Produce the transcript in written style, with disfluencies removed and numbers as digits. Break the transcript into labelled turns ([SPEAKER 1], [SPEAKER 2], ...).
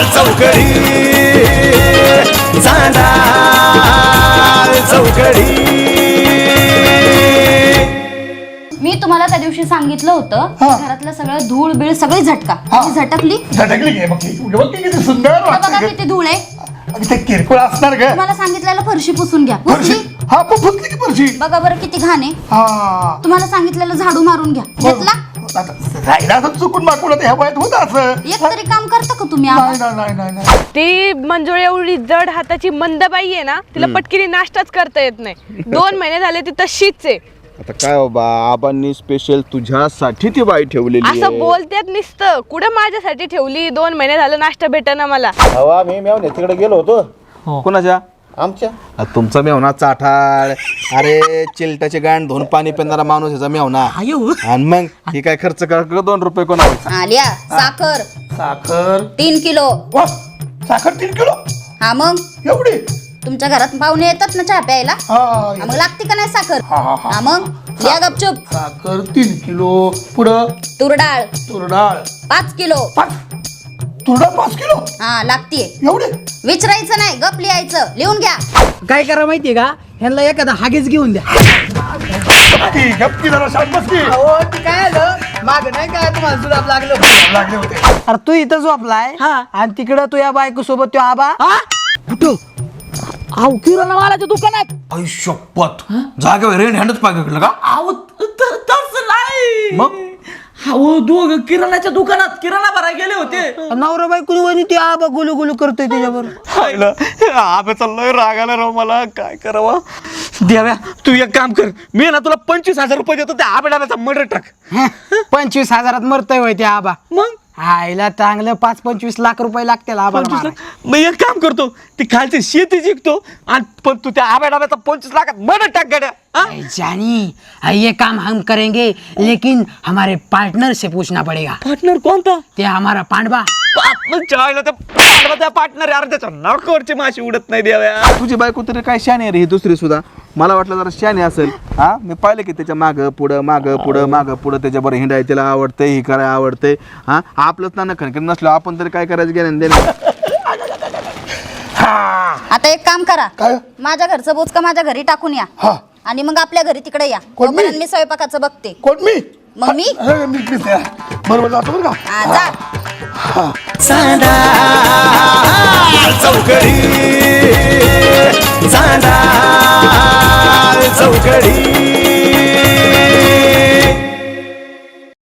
[SPEAKER 1] चौकडी चांदा चौकडी.
[SPEAKER 2] मी तुम्हाला त्या दिवशी सांगितलं होतं घरातलं सगळं धूळ बीळ सगळी झटकली
[SPEAKER 3] घे बघ किती सुंदर
[SPEAKER 2] बघा किती धूळ आहे.
[SPEAKER 3] ते किरकोळ असणार ग.
[SPEAKER 2] तुम्हाला सांगितलेलं फरशी पुसून घ्या.
[SPEAKER 3] हा पुसली की फरशी.
[SPEAKER 2] बघा बरं किती घाण आहे. तुम्हाला सांगितलेलं झाडू मारून घ्या. घेतला
[SPEAKER 3] राहिला असं चुकून मागवलं ह्या वयात होतं असं.
[SPEAKER 2] एक तरी काम करता का तुम्ही?
[SPEAKER 3] नाही.
[SPEAKER 4] ती मंजुळ एवढी जड हाताची मंदबाई आहे ना, तिला पटकिनी नाश्ताच करता येत नाही. 2 महिने झाले ती तशीच आहे.
[SPEAKER 5] आता काय बाबा, आबांनी स्पेशल तुझ्यासाठी ती बाई ठेवलेली आहे.
[SPEAKER 4] असं बोलतेत नुसतं. कुठं माझ्यासाठी ठेवली? 2 महिने झालं नाश्ता भेटेना मला.
[SPEAKER 5] हवा मी मेवणे तिकडे गेलो होतो. कोणाच्या? आमच्या. तुमचा मेवना चाठाळ. अरे चिलटाचे गाण धुवून पाणी पिणारा माणूस याचा मेवना. आणि मग ही काय खर्च कर 2 रुपये कोणाला?
[SPEAKER 2] आल्या साखर.
[SPEAKER 3] साखर
[SPEAKER 2] 3 किलो.
[SPEAKER 3] साखर 3 किलो.
[SPEAKER 2] हा मग
[SPEAKER 3] एवढी?
[SPEAKER 2] तुमच्या घरात पाहुणे येतात ना चहा प्यायला, मग लागते का नाही साखर? हा मग द्या गपचूप.
[SPEAKER 3] साखर 3 किलो. पुढं
[SPEAKER 2] तुरडाळ 5 किलो.
[SPEAKER 3] तुरडाळ 5 किलो.
[SPEAKER 2] हा लागतीये.
[SPEAKER 3] एवढे?
[SPEAKER 2] विचारायचं नाही, गप लिहायचं. लिहून घ्या.
[SPEAKER 6] काय करा माहितीये का, ह्यांना एखादा हागेच घेऊन द्या.
[SPEAKER 3] गप्पी जरा शांत बस की.
[SPEAKER 6] काय आलं माग नाही काय तुम्हाला जुलाब
[SPEAKER 3] लागले होते.
[SPEAKER 6] अरे तू इथं झोपलाय आणि तिकडं तू या बायको सोबत तो आबा कुठं किराणा मालाच्या दुकानात.
[SPEAKER 1] आई शपथ जागेवर रेन हँडच पाहिजे का?
[SPEAKER 6] तसं नाही मग दोघं किराणाच्या दुकानात किराणा भरायला गेले होते. नवरा बायको वणी ते आबा गुलू गुलू करतोय त्याच्यावर.
[SPEAKER 1] आबे चाललोय रागाला राव, मला काय करावं?
[SPEAKER 7] देव्या तू एक काम कर, मी ना तुला 25,000 रुपये देतो, त्या आबेडाचा मर्डर टाक.
[SPEAKER 6] 25,000 मरतय होय ते आबा.
[SPEAKER 7] मग
[SPEAKER 6] आईला चांगलं 5-25 लाख रुपये लागतील आबा.
[SPEAKER 7] मग एक काम करतो, ती खालची शेती जिंकतो आणि पण तू त्या आबेडाब्याचा 25 लाखात मर्डर टाक गाड्या.
[SPEAKER 6] जानी ये काम हम करेंगे, लेकिन हमारे पार्टनर से पूछना पड़ेगा.
[SPEAKER 7] पार्टनर कोणता?
[SPEAKER 6] ते हमारा पांडवा.
[SPEAKER 7] त्या पार्टनर यार त्याच्या नाकावरची माशी उडत नाही देव्या.
[SPEAKER 5] तुझी बायको तरी काय शाने आहे रे ही दुसरी सुद्धा. मला वाटलं जरा शाने असेल. हा मी पाहिलं की त्याच्या मागं पुढं त्याच्याबरोबर हिंडाय त्याला आवडतंय, ही करायला आवडतंय. हा आपलंच ना खणखण नसलं आपण तरी काय करायचं गेलं देणं.
[SPEAKER 2] आता एक काम करा,
[SPEAKER 3] काय?
[SPEAKER 2] माझ्या घरचं बोचका माझ्या घरी टाकून या आणि मग आपल्या घरी तिकडे या.
[SPEAKER 3] कोण मी?
[SPEAKER 2] तोपर्यंत मी स्वयंपाकाचं बघते.
[SPEAKER 3] कोण मी?
[SPEAKER 2] मग मी
[SPEAKER 3] बरोबर जातो बरं का.
[SPEAKER 2] जा.
[SPEAKER 1] चांदा चौकडी चांदा चौकडी.